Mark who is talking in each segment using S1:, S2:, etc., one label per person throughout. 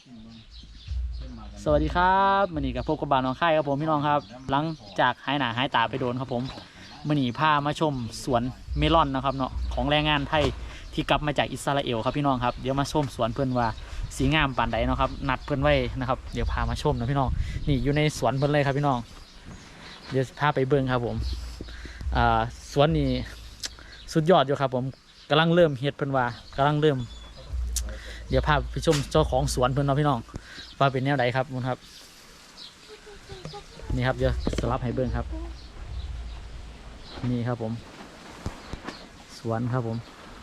S1: สวัสดีครับมื่อนี้กับพบกับบานน้องค่ายครับผมพี่น้องครับหลังจากหายหนาหายตาไปโดนครับผมมื่อนี้พามาชมสวนเมลอนนะครับเนาะของแรงงานไทยที่กลับมาจากอิสราเอลครับพี่น้องครับเดี๋ยวมาชมสวนเพื่อนว่าสีงามปานใดเนาะครับนัดเพื่อนไว้นะครับเดี๋ยวพามาชมนะพี่น้องนี่อยู่ในสวนเพื่อนเลยครับพี่น้องเดี๋ยวพาไปเบิ้งครับผมสวนนี้สุดยอดอยู่ครับผมกำลังเริ่มเฮ็ดเพื่อนว่ากำลังเริ่มเดี๋ยวพาไปชมเจ้าของสวนเพื่อนเนาะพี่น้องว่าเป็นแนวไหนครับมุนครับนี่ครับเดี๋ยวสลับให้เบิ้งครับนี่ครับผมสวนครับผม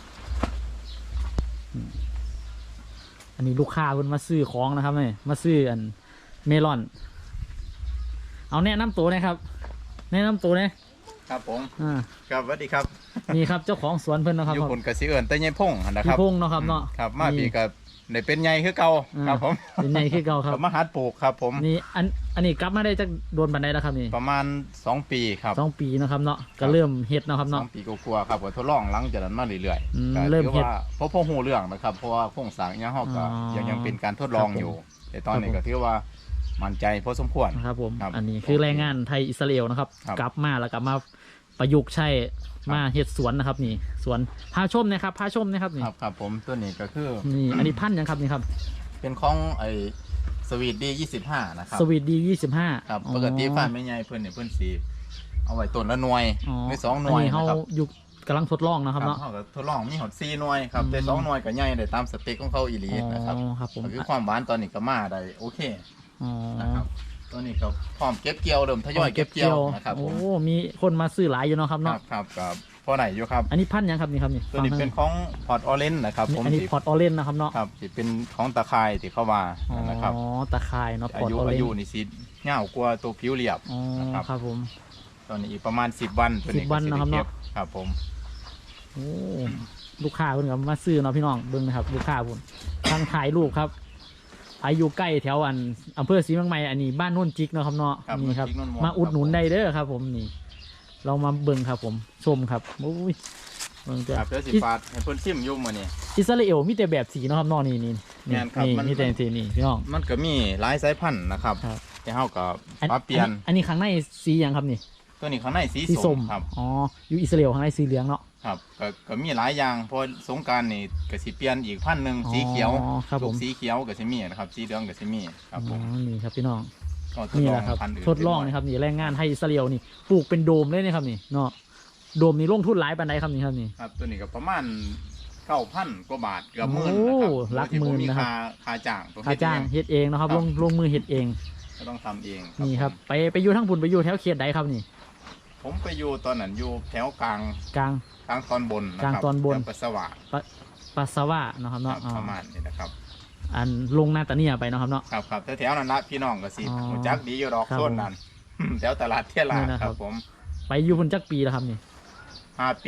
S1: อันนี้ลูกค้าเพิ่นมาซื้อของนะครับนี่มาซื้ออันเมลอนเอาแนะนำตัวนะครับแนะนำตัวนะครับ
S2: ผมครับสวัสดีครับ
S1: นี่ครับเจ้าของสวนเพิ่นนะครับ
S2: อยู่คนกสิเอิญแต่ยัยพงนะครับ
S1: พี่พงเนาะครับเนาะ
S2: ครับมาปีกับในเป็นใหญ่คือเก่าครับผม
S1: เป็นใหญ่คือเก่าครับ
S2: มาหัดปลูกครับผม
S1: นี่อันนี้กลับมาได้จากโดนบันไดแล้วครับนี่
S2: ประมาณ2 ปีครับ
S1: 2 ปีนะครับเนาะก็เริ่มเฮ็ดนะครับเนาะ
S2: 2 ปีกว่าๆครับก็ทดลองหลังจากนั้นมาเรื่อย
S1: ๆเริ่มเฮ็ด
S2: เพราะหูเรื่องนะครับเพราะว่าโครงสร้างยังเฮาก็ยังเป็นการทดลองอยู่แต่ตอนนี้ก็ถือว่ามั่นใจพอสมควร
S1: ครับผมอันนี้คือแรงงานไทยอิสราเอลนะครับกลับมาแล้วกลับมาประยุกต์ใช้มาเฮ็ดสวนนะครับนี่สวนพาชมนะครับพาชมนะครับนี่
S2: ครับผมตัวนี้ก็คือ
S1: นี่อันนี้พันธุ์ยังครับนี่ครับ
S2: เป็นของไอสวีทดี25นะครับ
S1: สวีทดี25
S2: ครับปกติฟ้าไม่ใหญ่เพิ่นเนี่ยเพิ่นสีเอาไว้ต้นละหน่วยไม่2 หน่วย
S1: อันนี้เขาอยู่กำลังทดลองนะครับเนาะ
S2: เขาก็ทดลองมีหอด4 หน่วยครับแต่2 หน่วยก็ใหญ่ได้ตามสเปคของเขาอีหลีนะครับคือความหวานตอนนี้ก็มาได้โอเคนะครับตอนนี้ก็พร้อมเก็บเกี่ยวเริ่มทยอยเก็บเกี่ยวนะครับ
S1: โอ้มีคนมาซื้อหลายอยู่เนาะครับเนาะ
S2: ครับพอไหนอยู่ครับ
S1: อันนี้พันธุ์ยังครับนี่ครับนี่
S2: ตัวนี้เป็นของพอร์ตออเรนจ์นะครับ
S1: อันนี้พอร์ตออเรนจ์นะครับเนาะ
S2: ครับที่เป็นของตะไคร้ที่เข้ามานะครับ
S1: อ๋อตะไคร้เนาะ
S2: อายุนี่สิเงากว่าตัวผิวเรียบ
S1: ครับผม
S2: ตอนนี้อีกประมาณ10 วันตัวนี้
S1: 10 วันนะครับเนาะ
S2: ครับผม
S1: โอ้ลูกค้าเพิ่นก็มาซื้อเนาะพี่น้องเบิ่งนะครับลูกค้าพุ่นทางถ่ายรูปครับอายุใกล้แถวอำเภอศรีเมืองใหม่อันนี้บ้านโน่นจิกเนาะครับเนาะนี่ครับมาอุดหนุนได้เด้อครับผมนี่เรามาเบิ่งครับผมชมครับโอ้ยเบิ่ง
S2: จ้ะเพื่อสิฟาดให้เพิ่นชิมยุ่มมานี่
S1: อิสราเอลมีแต่แบบสีเนาะครับเนาะนี่มีแต่สีนี่พี่น้อง
S2: มันก็มีหลายสายพันธุ์นะครับแต่เฮาก็ปรับเปลี่ยน
S1: อันนี้ข้างในสีหยังครับนี่
S2: ตัวนี้ข้างในสีส้มครับ
S1: อ๋ออยู่อิสราเอลข้างในสีเหลืองเนาะ
S2: ครับก็มีหลายอย่างพอสงกรานต์นี่ก็สิเปลี่ยนอีกพันธุ์นึงสีเขียวลูกสีเขียวก็สิมีนะครับสีเหลืองก็สิมีครับผม
S1: นี่ครับพี่น้องนี่แหละครับทดลองนะครับนี่แรงงานให้อิสราเอลนี่ปลูกเป็นโดมเลยนะครับนี่เนาะโดมนี่ลงทุนหลายปานใดครับนี่ครับนี่
S2: ครับตัวนี้ก็ประมาณ9,000 กว่าบาทเกือบหมื่นนะครับ
S1: หลักหมื่นนะครับ
S2: ค่าจ้าง
S1: เฮ็ดเองนะครับลงมือเฮ็ดเอง
S2: ก็ต้องทำเอง
S1: นี่ครับไปอยู่ทั้งปุ่นไปอยู่แถวเขตใดครับนี่
S2: ผมไปอยู่ตอนนั้นอยู่แถวกลางตอนบน
S1: กลางตอนบน
S2: ปัสสาว
S1: ะนะครับเนาะ
S2: ประมาณนี้นะครับ
S1: อันลงนาตาเนียไปนะครับเนาะ
S2: ครับแถวนั้นละพี่น้องก็สิรู้จักดีอยู่ดอกโซนนั้นแถวตลาดเที่ยลาครับผม
S1: ไปอยู่พุ่นจักปีแล้วครับนี่
S2: 5 ปี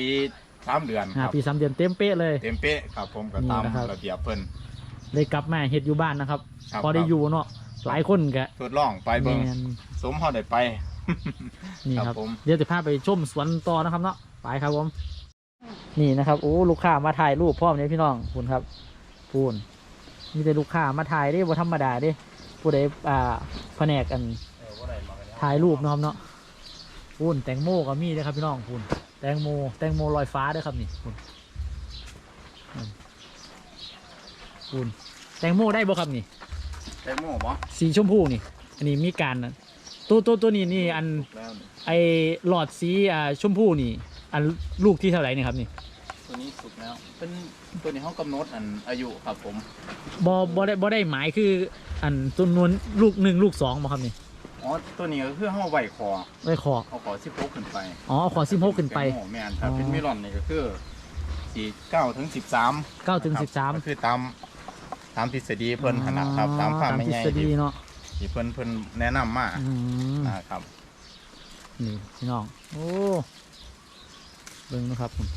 S2: 3 เดือน
S1: 5 ปี 3 เดือนเต็มเป๊ะเลย
S2: เต็มเป๊ะครับผมก็ตามระเบียบเพิ่น
S1: เลยกลับมาเฮ็ดอยู่บ้านนะครับพอได้อยู่เนาะหลายคนก็
S2: ทดลองไปเบิ่งสมเฮาได้ไป
S1: นี่ครับเดี๋ยวจะพาไปชมสวนต่อนะครับเนาะไปครับผมนี่นะครับโอ้ลูกค้ามาถ่ายรูปพร้อมเนี่ยพี่น้องคุณครับพูนมีแต่ลูกค้ามาถ่ายได้บ่ธรรมดาดิผู้ใดแผนกกันถ่ายรูปนะครับเนาะพูนแตงโมก็มีเลยครับพี่น้องพูนแตงโมลอยฟ้าด้วยครับนี่พูนแตงโมได้บ่ครับนี่
S2: แตงโมบ่
S1: สีชมพูนี่อันนี้มีการตัวนี้อันไอหลอดสีชมพูนี่อันลูกที่เท่าไหร่นี่ครับนี่
S2: ตัวนี้สุกแล้วเป็นตัวนี้เขากำหนดอายุครับผม
S1: บ่ได้หมายคืออันจำนวนลูก1ลูก2บ่ครับนี่
S2: อ๋อตัวนี้ก็คือเขาไหวคอเอาขอ16ขึ้นไป
S1: อ๋อขอ16ขึ้นไป
S2: แม่นครับเป็นเมลอนนี่ก็คือ9 ถึง 13ก็คือตามทฤษฎีเพิ่นขนาดครับตามความไม่ใหญ่ที่เพิ่นแนะนำมานะครับ
S1: นี่พี่น้องโอ้เบิ่งนะครับผม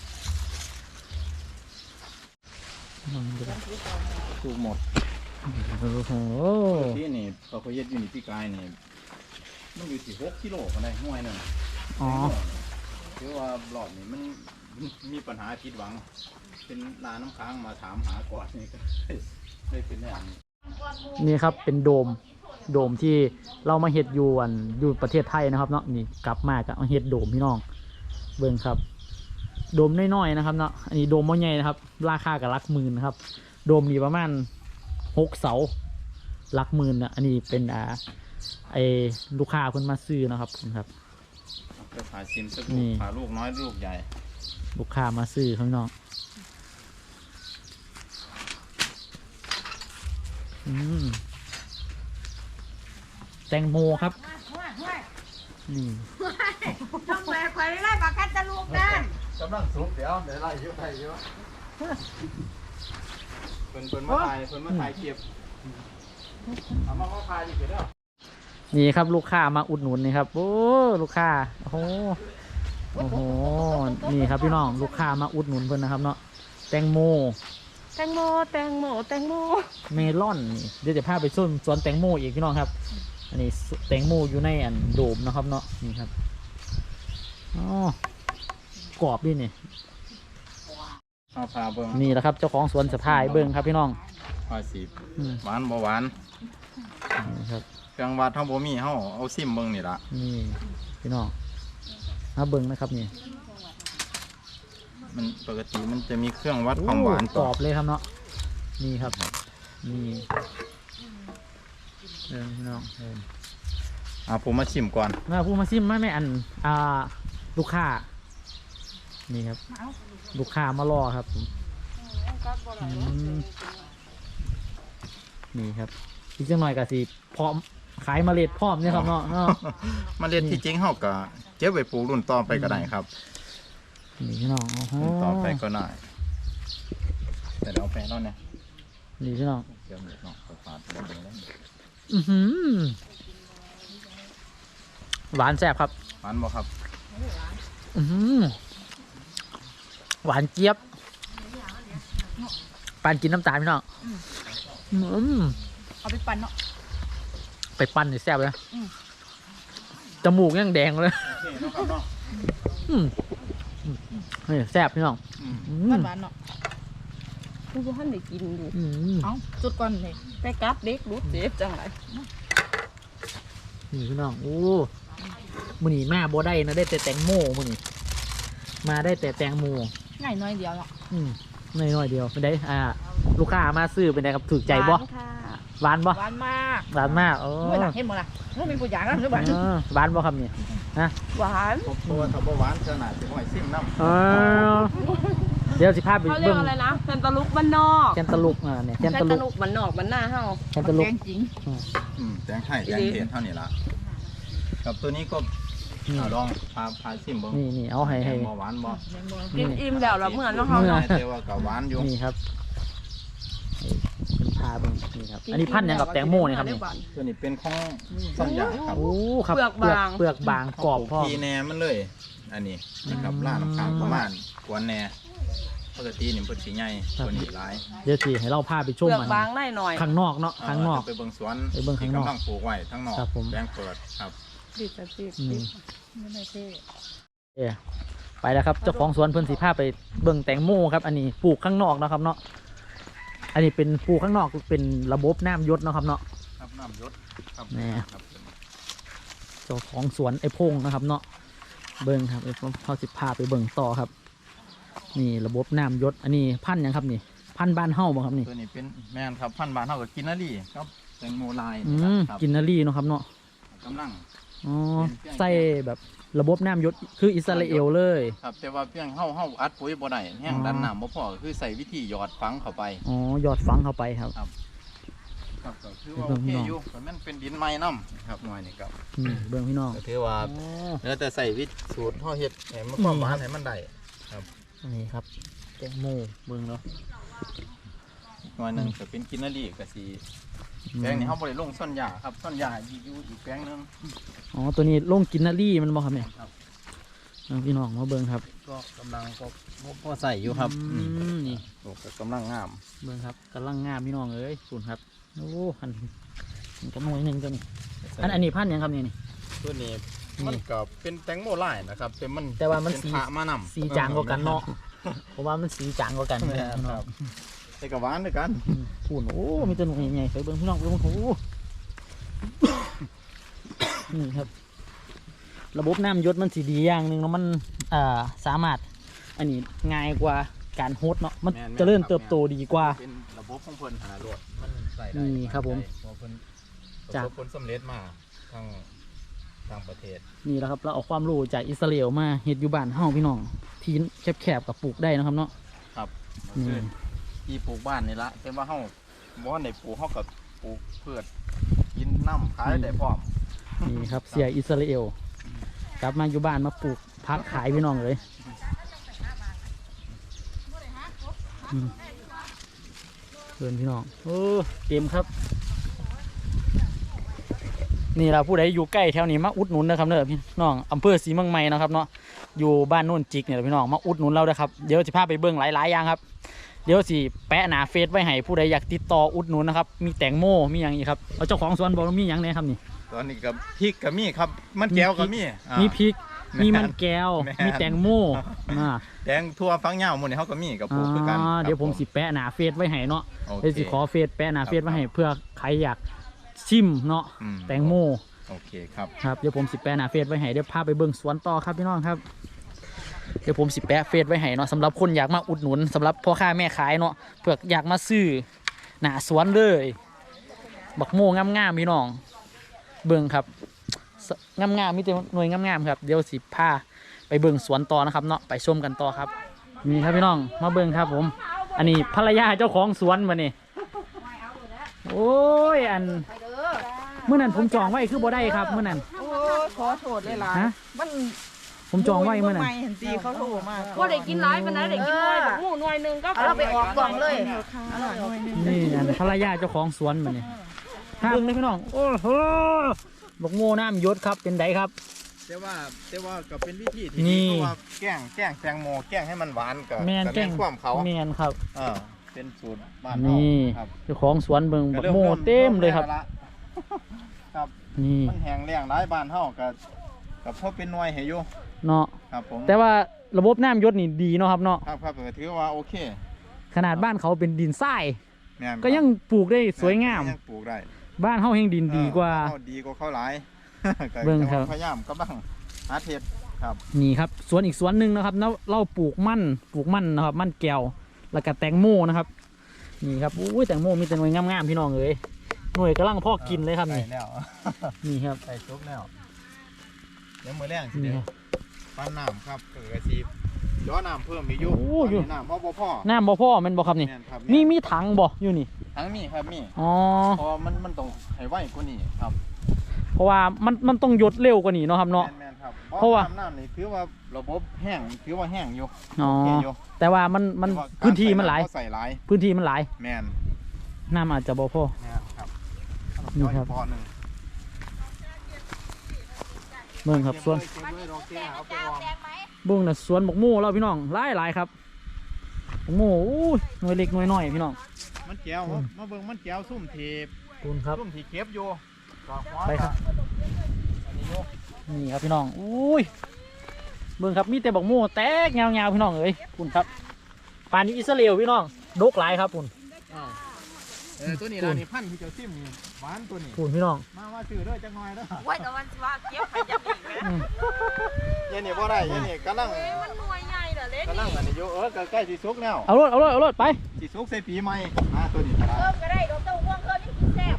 S2: ถูกหมด
S1: โอ้โห
S2: ที่นี่พอเขาเย็ดอยู่นี่พี่กายนี่มันอยู่ที่6 กิโลกันได้ห่วยหนึ่งคือว่าหลอดนี่มันมีปัญหาผิดหวังเป็นนาน้ำค้างมาถามหาก่อนนี่ก็ได้เป็นอย่างนี้
S1: นี่ครับเป็นโดมที่เรามาเฮ็ดอยู่ประเทศไทยนะครับเนาะนี่กลับมาก็เอาเฮ็ดโดมพี่น้องเบิ่งครับโดมน้อยๆนะครับเนาะอันนี้โดมบ่ใหญ่นะครับราคาก็หลักหมื่นนะครับโดมนี่ประมาณ6 เสาหลักหมื่นนะอันนี้เป็นไอลูกค้าเพิ่นมาซื้อนะครับครับ
S2: จะผ่าชิมสักลูกผ่าลูกน้อยลูกใหญ่
S1: ลูกค้ามาซื้อข้างนอกแตงโมครับนี่
S3: ทำไมใครไล่ปากกัดจะลูกนั่น
S2: กำลังสุกเดี๋ยวไล่เยอะไล่เยอะเพิ่นมาถ่ายเก็บเอามาถ่ายดิเด้อ
S1: นี่ครับลูกค้ามาอุดหนุนนี่ครับโอ้ลูกค้าโอ้โหนี่ครับพี่น้องลูกค้ามาอุดหนุนเพิ่นนะครับเนาะแตงโมเมลอนนี่เดี๋ยวจะพาไปสวนแตงโมอีกพี่น้องครับอันนี้แตงโมอยู่ในโดมนะครับเนาะนี่ครับอ๋อกรอบดินี่
S2: พาเบิ้ง
S1: นี่แหละครับเจ้าของสวนสะพายเบิ้งครับพี่น้อง
S2: พาสีหวานบ่หวาน
S1: นี่ครับ
S2: เครื่องวัดเท่าบ่มีเฮาเอาซิมเบิ้งนี่ละ
S1: นี่พี่น้องมาเบิ้งนะครับนี่
S2: มันปกติมันจะมีเครื่องวัดความหวาน
S1: กรอบเลยครับเนาะนี่ครับนี่พี่น้อง
S2: ผมมาชิมก่อน
S1: พูดมาชิมไม่ลูกค้านี่ครับลูกค้ามารอครับนี่ครับอีกจังหน่อยก็สิพร้อมขายเมล็ดพร้อมเนี่ยครับเนาะ
S2: เมล็ดที่จริงเขาก็เก็บไว้ปลูกรุ่นต่อไปก็ได้ครับ
S1: นี่พี่น้อง
S2: รุ่นต่อไปก็ได้แต่เราแปลแล้วเนี่ย
S1: นี่พี่น้อง
S2: เดี๋ยวน้องฝาดแล้ว
S1: หวานแซ่บครับ
S2: หวานบ่ครับ
S1: หวานเจี๊ยบปั่นกินน้ำตาลพี่น้อง
S3: เอาไปปั่นเนาะ
S1: ไปปั่นนี่แซ่บเลยจมูกยังแดงเลยนี่แซ่บพี่น้อง
S3: หวานเนาะผู้ท่านได้กินดูเอาจุดก่อนเลยไปกัดเด็กรู้เจ็บจังไร
S1: นี่พี่น้องโอ้มื้อนี้มาบ่ได้นะได้แต่แตงโมมื้อนี้มาได้แต่แตงโม
S3: ง่ายน้อยเดียวเนาะ
S1: น้อยเดียวเป็นไงลูกค้ามาซื้อเป็นไงครับถูกใจบ่หวานบ่
S3: หวานมาก
S1: โอ้
S3: ไม่หลักเห็นหมดละไม่เป็นผู้ใหญ่นะหรือหวาน
S1: หวานบ่ครับนี่นะ
S3: หวาน
S2: ตัวถ้าบ่หวานขนาดจะห้อยซิมน้ำ
S1: เดี๋ยวสิพาไป
S3: เบิ่งอะไรนะแคนตาลูปบ้านนอก
S1: แคนตาลูปเนี่ยแคนตาลูป
S3: บ้านนอกบ้านหน้าเฮา
S1: แคนตาลูป
S3: จริง
S2: แตงไทยแตงเทศเท่านี้ละกับตัวนี้ก็ลองพาซิมบ้าง
S1: นี่เอาให้
S2: หวานบ่
S3: กินอิ่มแล้วเหมือนเฮา
S2: แต่ว่ากับหวานอยู่
S1: นี่ครับเป็นพาเบิ่งนี่ครับอันนี้พันยังกับแตงโมนี่ครับนี่
S2: ตัวนี้เป็นของส้มยาครับ
S1: โอ้ครับเปลือกบางกรอบ
S2: พอทีแหนมันเลยอันนี้นะครับล่าน้ำค้างประมาณกวนแหนปกตินี่เพิ่นสิใหญ่ตัวนี้หลาย
S1: เดี๋ยวสิให้เราพาไปชมมัน
S3: บางได้หน่อย
S1: ข้างนอกเนาะข้างนอก
S2: ไปเบิ่งสวน
S1: ข้างนอก
S2: กำลังปลูกไว้ทั้งนอกแปลงเปิดครับ
S3: ติดไม่ได้เท่
S1: ไปแล้วครับเจ้าของสวนเพิ่นสิพาไปเบิ่งแตงโมครับอันนี้ปลูกข้างนอกนะครับเนาะอันนี้เป็นปลูกข้างนอกเป็นระบบน้ำยศนะครับเนาะ
S2: ครับน้ำยศครับ
S1: นี่เจ้าของสวนไอ้พงนะครับเนาะเบิ่งครับเขาสิพาไปเบิ่งต่อครับนี่ระบบน้ำยศอันนี้พันยังครับนี่พันบ้านเฮ้าบ่ครับนี่
S2: ตัวนี้เป็นแม่นครับพันบ้านเฮ้ากับกินนารีครับแตงโมลาย
S1: กินนารีเนาะครับเนาะ
S2: กำลัง
S1: ใส่แบบระบบน้ำยศคืออิสราเอลเลย
S2: ครับแต่ว่าเพียงเฮาอัดปุ๋ยบ่ได้แห้งดันน้ำบ่พอคือใส่วิธีหยอดฝังเข้าไป
S1: หยอดฝังเข้าไปครับ
S2: ก็คือว่าโอเคอยู่แต่มันเป็นดินไม้น้ำครับหน่อยนี่ครับ
S1: เบื้องพี่น้อง
S2: ก็ถือว่าแล้วแต่ใส่วิธีสูตรเฮาเฮ็ดให้มันความหวานให้มันได้ครับ
S1: นี่ครับแตงโมเบื้องเนาะ
S2: หน่อยนึงก็เป็นกินนารีก็สิแปลงนี้เขาบริลงส้นหญ้าครับส้นหญ้าอยู่อีกแปลงนึง
S1: ตัวนี้ลงกินนารีมันบ่ครับเนี่ยพี่น้องมาเบิ่งครับ
S2: ก็กำลังก็ใส่อยู่ครับ
S1: นี่
S2: กำลังงาม
S1: เบิ่งครับกำลังงามพี่น้องเอ้ยฝุ่นครับโอ้หันกระมวยหนึ่งตัวนี้อันนี้พันยังครับนี่
S2: ตัวนี้มันก็เป็นแตงโมลายนะครับ
S1: แต่ว่ามันสี
S2: มานำ
S1: สีจางกว่ากันเนาะเพราะว่ามันสีจางกว่ากันครับ
S2: ใส่กระหวานด้วยกัน
S1: พูนโอ้มีแตัวหนุ่มใหญ่ๆไปเบิ่งพี่น้องเบิ่งโอ้โหนี่ครับระบบน้ำยศมันสีดีอย่างหนึ่งเนาะมันสามารถอันนี้ง่ายกว่าการโฮสเนาะมันเจริญเติบโตดีกว่า
S2: เป็นระบบของเพิ่นหาโหลดมันใส่ได้
S1: นี่ครับผม
S2: เพิ่น
S1: จาก
S2: ผลสำเร็จมาทางประเทศ
S1: นี่แหละครับเราเอาความรู้จากอิสราเอลมาเฮ็ดอยู่บ้านเฮาพี่น้องที่แคบๆกับปลูกได้นะครับเนาะ
S2: ครับ
S1: นี่
S2: คือที่ปลูกบ้านนี่ละแต่ว่าเฮาบ่ได้ปลูกเฮาก็ปลูกพืชกินน้ำขายได้พร้อม
S1: นี่ครับเสียอิสราเอลกลับมาอยู่บ้านมาปลูกพักขายพี่น้องเลยเพื่อนพี่น้องโอ้เต็มครับนี่เราผู้ใดอยู่ใกล้แถวนี้มาอุดหนุนนะครับเนอะพี่น้องอำเภอศรีเมืองใหม่นะครับเนาะอยู่บ้านโน่นจิกเนี่ยพี่น้องมาอุดหนุนเราด้วยครับเดี๋ยวจะพาไปเบิ้งหลายๆอย่างครับเดี๋ยวสิแปะหน้าเฟซไว้ให้ผู้ใดอยากติดต่ออุดหนุนนะครับมีแตงโมมีอย่างอีกครับเอาเจ้าของสวนบอกว่ามีอย่างไหนครับนี่
S2: ตอนนี้กับพริกก็มีครับมันแก้วก็มีอ่า
S1: มีพริก
S2: แม่น
S1: มีมันแก้ว
S2: แม่น
S1: มีแตงโมอ่า
S2: แดงทั่วฟังยาวหมดนี่เฮาก็มีกับปลูกคือกัน
S1: เดี๋ยวผม
S2: ครับ
S1: สิแปะหน้าเฟซไว้ให้เนาะ
S2: โอเค
S1: เดี๋ยวสิขอเฟซแปะหน้าเฟซไว้ให้เพื่อใครอยากชิมเนาะ
S2: อืม
S1: แตงโม
S2: โอเคครับ
S1: ครับเดี๋ยวผมสิแปะหน้าเฟซไว้ให้เดี๋ยวพาไปเบิ่งสวนต่อครับพี่น้องครับเดี๋ยวผมสิแปะเฟซไว้ให้เนาะสำหรับคนอยากมาอุดหนุนสำหรับพ่อค้าแม่ขายเนาะเพื่ออยากมาซื้อหน้าสวนเลยบักโมงามๆพี่น้องเบิ่งครับงามๆมีแต่หน่วยงามๆครับเดี๋ยวสิพาไปเบิ่งสวนต่อนะครับเนาะไปชมกันต่อครับนี่ครับพี่น้องมาเบิ่งครับผมอันนี้ภรรยาเจ้าของสวนมานี่โอ้ยอันเมื่อนั้นผมจองไว้คือบ่ได้ครับเมื่อนั้น
S3: โอ้ขอโทษเลยล่ะ
S1: ฮะ
S3: มัน
S1: ผมจองไว้เมื่อนั้น
S3: ไม่เห็นตีเขาโทรมา
S4: ว่าได้กินร้ายปานนั้นได้กินหน่วยแบบหมูหน่วยหนึงก็
S3: เอาเราไปออกกล่องเลย
S1: นี่อันภรรยาเจ้าของสวนมานี่เบิ่งเลยพี่น้องโอ้โหบักโมน้ำยศครับเป็นไดครับ
S2: แต่ว่าก็เป็นวิธีที่
S1: นี่
S2: ดีเพราะว่าแกล้งแตงโมแกล้งให้มันหวานกับ
S1: แมนแกล้ง
S2: ความเขา
S1: แมนครับ
S2: เป็นสูตรบ้านเรา
S1: นี่
S2: ครับ
S1: เจ้าของสวนเบิ่งบักโม
S2: ริ่
S1: เต็มเลยครับ
S2: ริ่แวละครับ
S1: นี่
S2: มันแห้งแล้งหลายบ้านเฮากับพอเป็นหน่วยให้อยู่
S1: เนาะ
S2: ครับผม
S1: แต่ว่าระบบน้ำยศนี่ดีเนาะครับเนาะ
S2: ครับก็ถือว่าโอเค
S1: ขนาดบ้านเขาเป็นดินทราย
S2: แม่น
S1: ก็ยังปลูกได้สวยงาม
S2: ยังปลูกได้
S1: บ้านเฮาแห่งดินดีกว่า
S2: เอดีกว่าเขาหลาย ก็
S1: เบิ่งครับ
S2: พยายามก็บ้างหาเห็ดครับ
S1: นี่ครับสวนอีกสวนหนึ่งนะครับเราปลูกมันนะครับมันแก้วแล้วก็แตงโมนะครับนี่ครับอุ้ยแตงโมมีแต่หน่วยงามๆพี่น้องเอ้ยหน่วยกำลังพอกินเลยครับ
S2: ใส่
S1: นี่
S2: แล้ว
S1: นี่ครับ
S2: ใส่ซุปแล้วเดี๋ยวมื้อแรงสิ
S1: นี่
S2: เดี๋ยว
S1: ครับ
S2: ปั้นน้ำครับก็กระชีย้อน้ำเพิ่มอีกอยู่
S1: โอ้อยู่
S2: ตนนี้น้ำพ่อ
S1: น้ำบ่พ่อแมันบ่ครับนี่
S2: แม่นครับ
S1: มีถังบ่อยู่นี่
S2: ทั้งมีครับมี
S1: อ๋อ
S2: เพอมันต้องให้ไวกว่านี้ครับ
S1: เพราะว่ามันต้องหยดเร็วกว่านี้เนาะครับเนาะ
S2: แม่นครับ
S1: เพราะว่า
S2: น้ำนี่ถือว่าระบบแห้งถือว่าแห้งอยู่
S1: อ๋อ
S2: โอเคอยู่
S1: แต่ว่ามัน
S2: แต่ว่า
S1: พื้นที่มันหลาย
S2: กรใส่หลาย
S1: พื้นที่มันหลาย
S2: แม่น
S1: น้ำอาจจะบ่พอ
S2: ครับ
S1: นี่ครับ
S2: พอหนึ่ง
S1: เบิ่งครับสวน
S2: เก็บไว้รอเก็บเอาไปวาง
S1: เบิ่งน่ะสวนบักโม่เราพี่น้องหลายครับบักโม่อู้ยหน่วยเล็กหน่วยน้อยพี่น้อง
S2: มันแก้วมาเบิ่งมันแก้วซุ่มทีบ
S1: คุณครับ
S2: ซุ่มทีเก็บอยู่ดอกหัว
S1: ไปครับ
S2: อันนี้อยู่
S1: นี่ครับพี่น้องอุ้ยเบิ่งครับมีแต่บักโม่แตกยาวๆพี่น้องเอ้ยคุณครับปานนี้อิสราเอลพี่น้องดกหลายครับคุณ
S2: ตัวนี้ล่ะนี่พันธุ์ที่เจ้าซิมนี่หวานตัวนี้
S1: คุณพี่น้อง
S2: มาซื้อเด้อจักหน่อยเด้อ
S4: ว่าแต่วันว่าเก็บใครจะอีกไหม
S1: อืม
S2: เย็นนี่บ่ได้เย็นนี่กำลัง
S4: เอ้ยมันหน่วยใหญ่เหรอเล็ก
S2: กำลังอันนี้อยู่ก็ใกล้สิสุกแล้ว
S1: เอารถไป
S2: สิสุกใส่ปีใหม่ตัวนี้ก็ได้
S4: เพิ่มก็ได้ดอกเต้าห่วงเพิ่มยังกินแซ่บ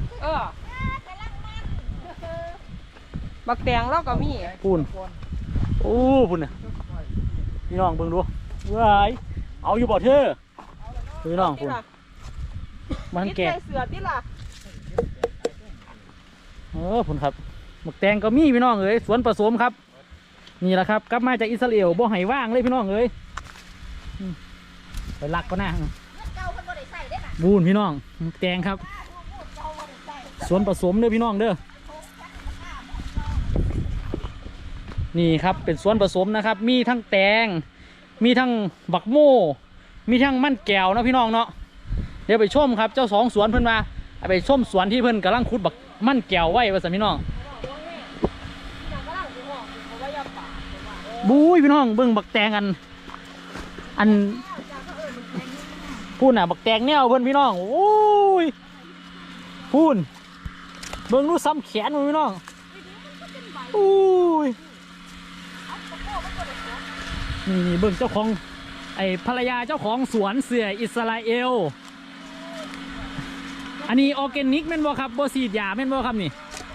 S4: บักแตงเราก็มี
S1: พูนโอ้พูนน่ะพี่น้องเบิ่งดูว้ายเอาอยู่บ่เธอพี่น้องพูนมัน
S4: ติด
S1: แก่
S4: ใส่เสือที่ล่ะ
S1: พูนครับหมกแตงก็มีพี่น้องเอ้ยสวนผสมครับนี่แหละครับกลับมาจากอิสราเอลบ่ให้ว่างเลยพี่น้องเอ้ยไปลักก็น่าบูนพี่น้องหมกแตงครับสวนผสมเด้อพี่น้องเด้อนี่ครับเป็นสวนผสมนะครับมีทั้งแตงมีทั้งบักโม่มีทั้งมันแก้วนะพี่น้องเนาะเดี๋ยวไปชมครับเจ้าสองสวนเพิ่นมาไปชมสวนที่เพิ่นกำลังขุดบักมันแก้วไว้ว่าซั่นพี่น้องบู๊ยพี่น้องเบิ่งบักแตงอันพูนน่ะบักแตงแนวเพื่อนพี่น้องโอ้ยพูนเบิ่งดูซ้ำแขนมันพี่น้องโอ้ยนี่เบิ่งเจ้าของไอ้ภรรยาเจ้าของสวนเสืออิสราเอลอันนี้ออร์แกนิกแม่นบ่ครับบ่ฉีดยาแม่นบ่ครับนี่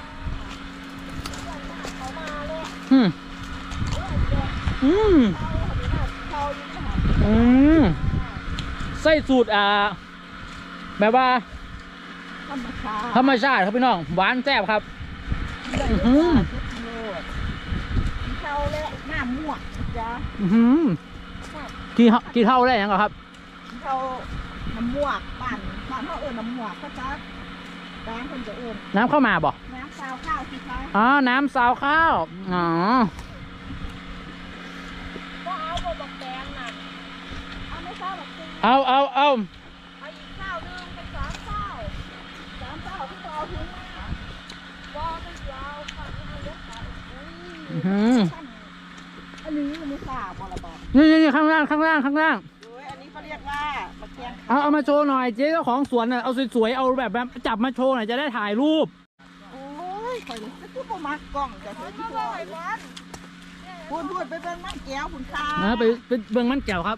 S1: ใส่สูตรแบบว่าธรรมชาติครับพี่น้องหวานแซ่บครับ
S4: เขาและหน้าม่วงจ้า
S1: กี่เท่าได้ยังครับ
S4: เขาน้ำม่วงบ้านเขาน้ำม่วงเขาจะแดงคนจะ
S1: น้ำเข้ามาบ่
S4: น้ำซาวข้าวสิคะ
S1: อ๋อน้ำซาวข้าวอ๋อ
S4: ก็เอาบักแดงน่ะเอาไม่ซาวบักซี
S1: เอา
S4: อีกข้าวนึงเป็น3 ข้าวที่เอาทิ้งว่าไม่ยาวค่ะเอาเล็กค่ะอันนี้ไม่ทราบบ่ละบ่
S1: นี่ข้างล่าง
S4: โอ้ยอันนี้เขาเรียกว่าบักแดง
S1: เอามาโชว์หน่อยเจ๊เจ้าของสวนน่ะเอาสวยๆเอาแบบจับมาโชว์หน่อยจะได้ถ่ายรูป
S4: โอ้ยคอยนี่คือบ่มักกล้องจะเห็นที่ว่าพูดไปเป็นมันแก้วคุณค่ะ
S1: ไปเบิ่งมันแก้วครับ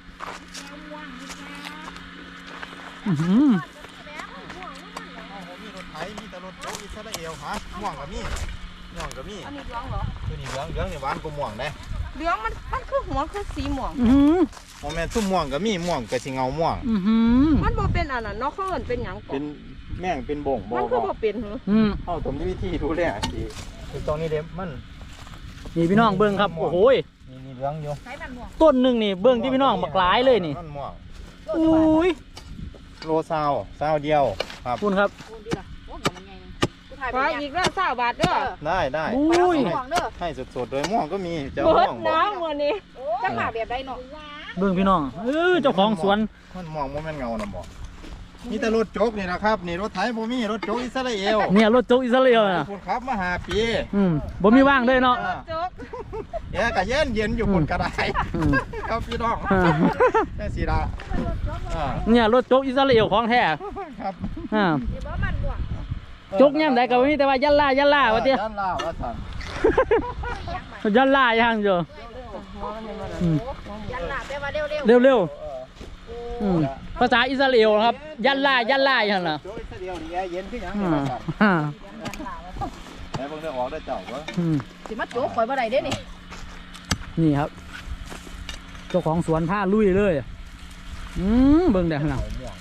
S2: มีรถไถมีแต่รถโจ๊กอิสราเอลฮะม่วงกับมี
S4: อันนี้เหลืองเหรอ
S2: ตัวนี้เหลืองนี่หวานกว่าม่วงได้
S4: เหลืองมันคือหัวคือสีม่วง
S2: โมเมนต์ทุ่มม่วงกับมีม่วงกับสิเงาม่วง
S4: มันบ่เป็นอันนั้นเนาะเขาเอิ้นเป็นหยังก่อน
S2: เป็นแม่งเป็นบ่ง
S4: มันคือบ่เป็นเหรอ
S2: เอาผมมีวิธีดูแลสิคือตรงนี้เด็บมัน
S1: นี่พี่น้องเบิ่งครับโอ้โห
S2: นี่เหลืองอยู่
S1: ต้นหนึ่งนี่เบิ่งที่พี่น้องบักหลายเลยนี่อุ้ย
S2: โลซาวเดียวครับ
S1: คุณครับ
S4: ขออีกแล้ว20 บาทเด้อ
S2: ได้
S1: อุ้ย
S2: ให้สดๆโดยม่วงก็มี
S4: เจ้าม่วงน้ำวันนี้จะมาแบบใดเนาะ
S1: เบิ่งพี่น้องเจ้าของสวน
S2: มันม่วงโมเมนต์เงาน่ะบ่มีแต่รถโจ๊กนี่นะครับนี่รถไถบ่มีรถโจ๊กอิสราเอล
S1: เนี่ยรถโจ๊กอิสราเอลน่ะ
S2: คุณครับมา5 ปี
S1: บ่มีว่างเลยเนาะ
S4: โจ๊ก
S2: ก็เย็นอยู่บนกระไดครับพี่น้องแค่สีดา
S1: เนี่ยรถโจ๊กอิสราเอลของแท้
S2: ครับ
S1: โจ๊กย่ำได้ก็มีแต่ว่ายันล่าว่าเตี้ย
S2: ยันล่าว่าสั่
S1: นยันล่ายังอยู่
S4: ยันล่าแปลว่า
S1: เร็วภาษาอิสราเอลครับยันล่าอย่างน่ะ
S2: โจ๊กอิสราเอลนี่เย็นขึ้นยังนี่ครับแล้วเบิ่งได้ออกได้เจ้าบ่
S4: สิมาโจ๊กข่อยบ่ได้เด้
S1: นี่ครับเจ้าของสวนผ้าลุยเลยเบิ่งได้ขนาด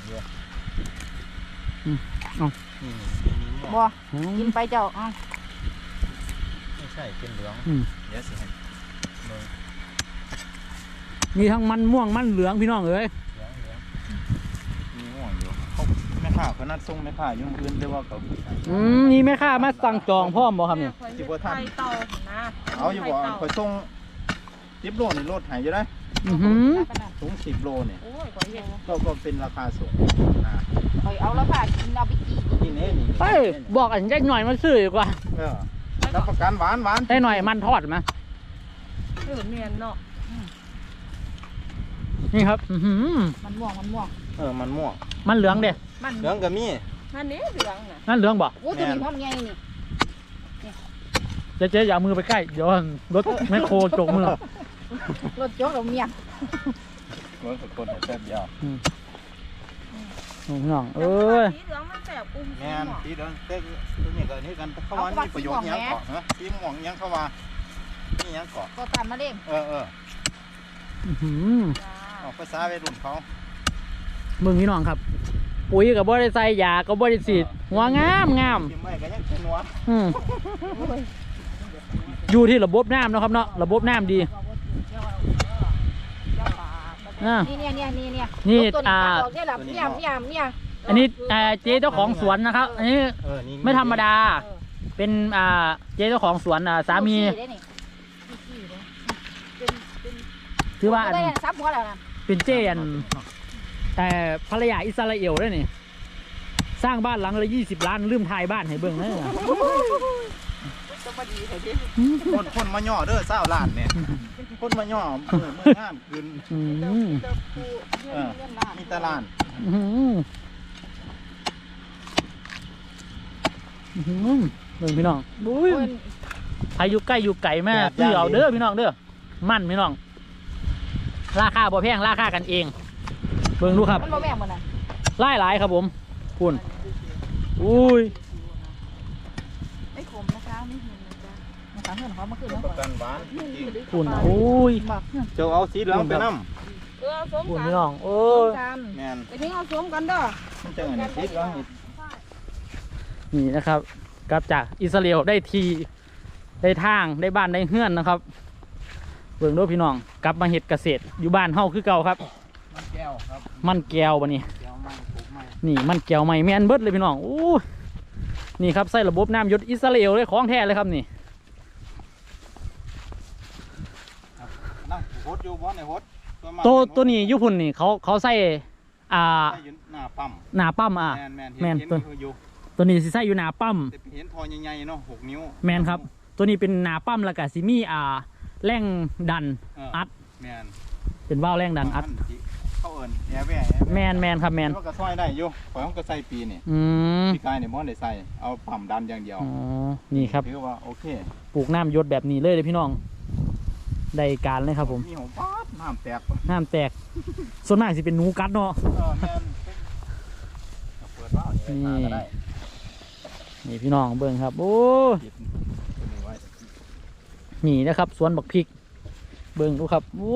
S4: บ่กินไปเจ้า
S2: ไม่ใช่เป็นเหลืองเดี๋ยวสิ
S1: มีทั้งมันม่วงมันเหลืองพี่น้องเอ้ย
S2: มีม่วงอยู่เขาแม่ค้าเขานัดส่งแม่ค้ายุ่งอื่นแต่ว่าเขา
S1: มีแม่ค้ามาสั่งจองพร้อมบ่ครับเนี่ย
S2: สิบ่ทันเอาอยู่บ่เขาส่ง10 โลนี่รถหายอยู่ได้ถุง10 โลเนี่ยก็เป็นราคาสูง
S4: ข่อยเอาแล้วค่ะกินเอาไปกิน
S2: นี่
S1: บอกอันได้หน่อยมันซื้อดีกว่า
S2: รับประกันหวาน
S1: ได้หน่อยมันทอดมั้ย
S4: เมียนเนาะ
S1: นี่ครับ
S4: มันม่วงมัน
S2: ม่วง
S1: มันเหลืองเด้
S2: เหลืองก็มี
S4: นั่นนี่เหลืองน่ะ
S1: นั่นเหลืองบ่
S4: โอ้ตัวนี้พร้อมไงนี่
S1: เจ๊อย่ามือไปใกล้เดี๋ยวรถแมคโครจกมือ
S4: รถโจ๊กเราเมีย
S2: รถคนแซ่บยาว
S1: น้อง
S4: สีเหลืองมันแสบกุ้ง
S2: แม่นสีเหลืองเต้ตัวนี้ก็นี่กันเข้ามามีประโยชน์ยังเกาะนะสีม่วงยังเข้ามานี่ยังเกาะ
S4: ก็ตามมาเด้ง
S2: ออกภาษาวัยรุ่นเขา
S1: มึงพี่น้องครับปุ๋ยกับบ่ได้ใส่ยากับบ่ได้ฉีดหัวงามอยู่ที่ระบบน้ำนะครับเนาะระบบน้ำดีนี่อันนี้เจ๊เจ้าของสวนนะครับอันนี้ไม่ธรรมดาเป็นเจ๊เจ้าของสวนสามีถือว่าเป็นเจ๊แต่ภรรยาอิสราเอลด้วยนี่สร้างบ้านหลังละ20 ล้านลืมทายบ้านให้เบิ่งเลย
S2: คนมาย่อเด้อ20 ล้านเนี่ยคนมาย่อมืองานคืน
S1: อืม
S3: เติบปูเงินเงินล้าน
S2: มีตลาด
S1: อืมเบิ่งพี่น้องบุ้ย
S3: เพิ่น
S1: ใครอยู่ใกล้อยู่ไกลแม่ซื้อเอาเด้อพี่น้องเด้อมั่นพี่น้องราคาบ่แพงราคากันเองเบิ่งดูครับ
S3: มันบ่แม่งบ่น่ะ
S1: หลายครับผมพุ่นอุ้ย
S3: ไม่ขมนะคะไม่หินนะจ๊ะนะคะเพื่อนเขามาคืนแล้ว
S2: ประกันบ้าน
S1: พุ่นอุ้ย
S2: เจ้าเอาสีเหลืองไปน้
S3: สม
S1: พุ่น
S3: กัน
S1: พี่น้องโอ้
S3: สม
S1: ย
S3: กัน
S2: ำแมน
S3: ไปทิ้งเอาสมกันเด้อ
S2: มันจะอันนี้สีเหลืองนี่
S1: นี่นะครับกลับจากอิสราเอลได้ทีได้ทางได้บ้านได้เฮือนนะครับเบิ่งดูพี่น้องกลับมาเฮ็ดเกษตรอยู่บ้านเฮาคือเก่าครับ
S2: มันแก้วครับ
S1: มันแก้วบัดนี้
S2: แก้วไม้ปลูกไม้
S1: นี่มันแก้วใหม่แม่นเบิดเลยพี่น้องโอ้ยนี่ครับใส่ระบบน้ำหยศอิสราเอลเลยของแท้เลยครับนี่
S2: นั่งโฮดอยู่บ่ในโฮด
S1: ตัวนี้อยุพุ่นนี่เขาใส่อ่า
S2: ใส่อยู่หน้าปั๊ม
S1: หน้าปั๊ม
S2: แมน
S1: แม่น
S2: เห็น
S1: ตัว
S2: อยู่
S1: ตัวนี้สิใส่อยู่หน้าปั๊ม
S2: แต่เห็นทอใหญ่ๆเนาะ6 นิ้ว
S1: แมนครับ ตัวนี้เป็นหน้าปั๊มแล้วก็สิมีแรงดันอัด
S2: แมน
S1: เป็นว่าวแรงดันอัด
S2: เข้าเอิญแอร์แว่
S1: แมนครับแมน
S2: มันก็ซอยได้อยู่ข่อยมันก็ใส่ปีนี่
S1: อืม
S2: พี่กายเนี่ยมันได้ใส่เอาปั๊มดันอย่างเดียว
S1: อ๋อนี่ครับ
S2: ถือว่าโอเค
S1: ปลูกน้ำหยศแบบนี้เลยพี่น้องได้การเลยครับผม
S2: มีหัวป๊าดน้ำแตก
S1: น้ำแตกส่วนมากสิเป็นหนูกัดเนาะ
S2: แมนเปิดว่าวนี่มาก็ได้
S1: นี่พี่น้องเบิ่งครับโอ้
S2: ปิดตัวนี้ไว้
S1: นี่นะครับสวนบักพริกเบิ่งดูครับโอ้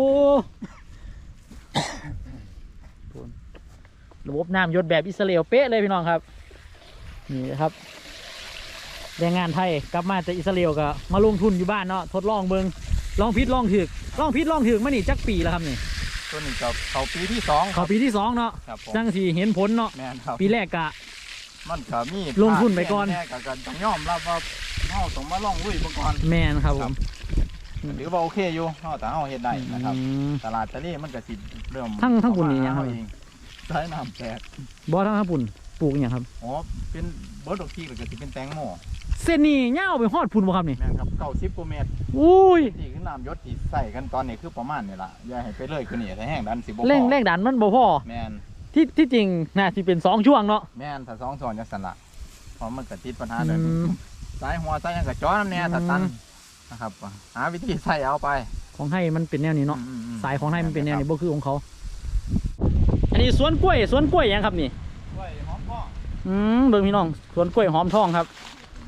S1: ระบบน้ำหยศแบบอิสราเอลเป๊ะเลยพี่น้องครับนี่นะครับแรงงานไทยกลับมาจากอิสราเอลก็มาลงทุนอยู่บ้านเนาะทดลองเบิ่งลองพิษลองถึกมานี่จักปีแล้วครับนี่
S2: ตัวนี้ก็เขาปีที่2
S1: เขาปีที่2เนาะ
S2: ครับผม
S1: จังสีเห็นผลเนาะ
S2: แมนครับ
S1: ปีแรกกะ
S2: มันก็มี
S1: ลงทุนไปก่อน
S2: แน่ก็ต้องยอมรับว่าเฮาต้องมาลองลุยไปก่อน
S1: แมนครับผม
S2: หรือว่าโอเคอยู่เฮาแต่เฮาเฮ็ดได้นะครับ
S1: อืม
S2: ตลาดทะเลมันก็สิเริ่ม
S1: ทั้งปุ่นนี่ยังครับ
S2: เฮาเองใช้น้ำแตก
S1: บ่ทั้งญี่ปุ่นปลูกอหย่างครับ
S2: อ๋อเป็นเบิร์ดดอกทีหรือก็สิเป็นแตงโม
S1: เส้นนี้ยาวไปฮอดพุ่นบ่ครับนี่
S2: แม่นครับ90กว่าเมตร
S1: อุ้ย
S2: ที่คือน้ำยศที่ใส่กันตอนนี้คือประมาณนี่ล่ะอย่าให้ไปเลยคือนี่ถ้าแห้งดันสิบ่พอ
S1: แรงดันมันบ่พอ
S2: แม่น
S1: ที่จริงน่าสิเป็น2ช่วงเนาะ
S2: แม่นถ้า2ซ้อนจังซั่นล่ะเพราะมันก็ติดปัญหาเดิม
S1: อืม
S2: สายหัวสายหยังก็จ้อน้ำแน่ถ้าตันนะครับหาวิธีใส่เอาไป
S1: ของไทยมันเป็นแนวนี้เนาะ
S2: อืม
S1: สายของไทยมันเป็นแนวนี้บ่คือของเขา อันนี้สวนกล้วยหยังครับนี่
S2: กล้วยหอมพ่อ
S1: เบิ่งพี่น้องสวนกล้วยหอมทองครับ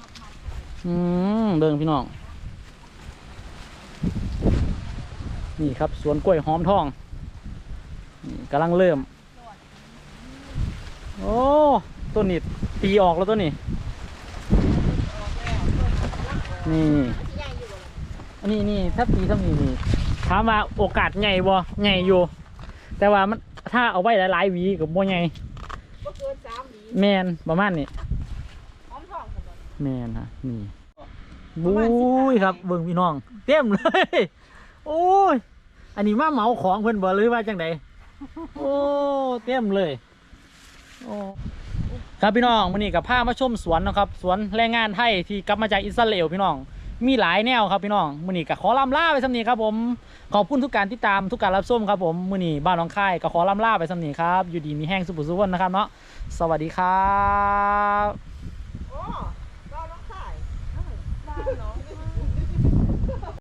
S1: เบิ่งพี่น้องนี่ครับสวนกล้วยหอมทองนี่กำลังเริ่มโอ้ต้นนี้ปีออกแล้วต้นนี้นี่อันนี้ถ้าปีเท่านี้นี่ถามว่าโอกาสใหญ่บ่ใหญ่อยู่ แต่ว่ามันถ้าเอาไว้หลายๆหวีกับบ่ใหญ่
S3: บ่เกิน3หวี
S1: แมนประมาณนี้
S3: หอมทองซั่นบ่
S1: แมนฮะนี่บุ้ยครับเบิ่งพี่น้องเต็มเลย โอ้ยอันนี้มาเหมาของเพิ่นบ่หรือว่าจังไดโอ้เต็มเลยโอ้ครับพี่น้องมื้อนี้กับพามาชมสวนนะครับสวนแรงงานไทยที่กลับมาจากอิสราเอลพี่น้องมีหลายแนวครับพี่น้องมื้อนี้ก็ขอลำลาไปสำนี้ครับผมขอบคุณทุกการติดตามทุกการรับชมครับผมมื้อนี้บ้านหนองคายก็ขอลำลาไปสำนี้ครับอยู่ดีมีแห้งสุขสุขนะครับเนาะสวัสดีครับ